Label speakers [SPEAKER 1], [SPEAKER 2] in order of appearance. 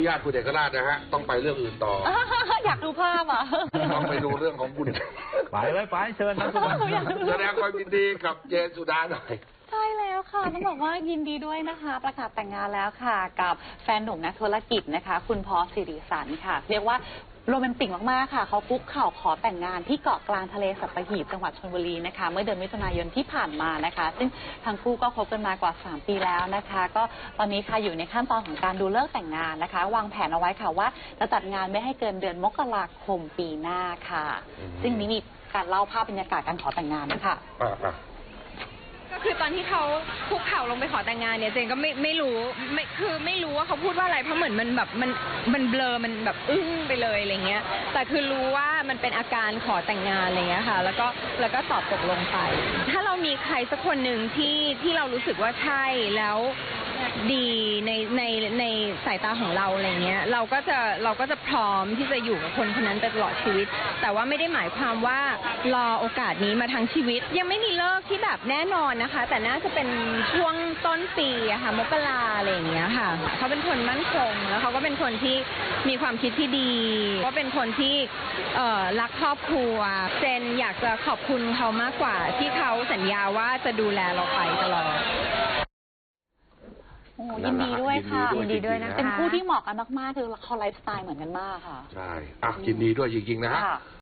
[SPEAKER 1] ญาติคุณเอกราชนะฮะต้องไปเรื่องอื่นต่อ
[SPEAKER 2] อยากดูภาพอ่ะ
[SPEAKER 1] ต้องไปดูเรื่องของคุณ
[SPEAKER 3] ไปเลยไปเชิญครับทุกคน
[SPEAKER 1] แสดงความยินดีกับเจนสุดาหน่อย
[SPEAKER 2] ใช่แล้วค่ะต้องบอกว่ายินดีด้วยนะคะประกาศแต่งงานแล้วค่ะกับแฟนหนุ่มนักธุรกิจนะคะคุณพอสิริสันค่ะเรียกว่าโรแมนติกมากๆค่ะเขาคุกเข่าขอแต่งงานที่เกาะกลางทะเลสัตหีบจังหวัดชลบุรีนะคะเมื่อเดือนมิถุนายนที่ผ่านมานะคะซึ่งทั้งคู่ก็คบกันมากว่า3 ปีแล้วนะคะก็ตอนนี้ค่ะอยู่ในขั้นตอนของการดูเลิกแต่งงานนะคะวางแผนเอาไว้ค่ะว่าจะจัดงานไม่ให้เกินเดือนมกราคมปีหน้าค่ะซึ่งนี้มีการเล่าภาพบรรยากาศการขอแต่งงานนะคะ
[SPEAKER 4] ก็คือตอนที่เขาคุกเข่าลงไปขอแต่งงานเนี่ยเจนก็ไม่รู้ไม่รู้ว่าเขาพูดว่าอะไรเพราะเหมือนมันแบบมันเบลอมันแบบอึ้งไปเลยอะไรเงี้ยแต่คือรู้ว่ามันเป็นอาการขอแต่งงานอะไรเงี้ยค่ะแล้วก็ตอบตกลงไปถ้าเรามีใครสักคนหนึ่งที่เรารู้สึกว่าใช่แล้วดีในสายตาของเราอะไรเงี้ยเราก็จะพร้อมที่จะอยู่กับคนคนนั้นไปตลอดชีวิตแต่ว่าไม่ได้หมายความว่ารอโอกาสนี้มาทั้งชีวิตยังไม่มีเลิกที่แบบแน่นอนนะคะแต่น่าจะเป็นช่วงต้นปีอะค่ะมกราอะไรอย่างเงี้ยค่ะเขาเป็นคนมั่นคงแล้วเขาก็เป็นคนที่มีความคิดที่ดีก็เป็นคนที่รักครอบครัวเจนอยากจะขอบคุณเขามากกว่าที่เขาสัญญาว่าจะดูแลเราไปตลอด
[SPEAKER 2] ยินดีด้วยค่ะ
[SPEAKER 1] ยินดีด้วยนะคะ
[SPEAKER 2] เป็นคู่ที่เหมาะกันมากๆคือเขาไลฟ์สไตล์เหมือนกันมากค่ะ
[SPEAKER 1] ใช่ยินดีด้วยจริงๆนะฮะ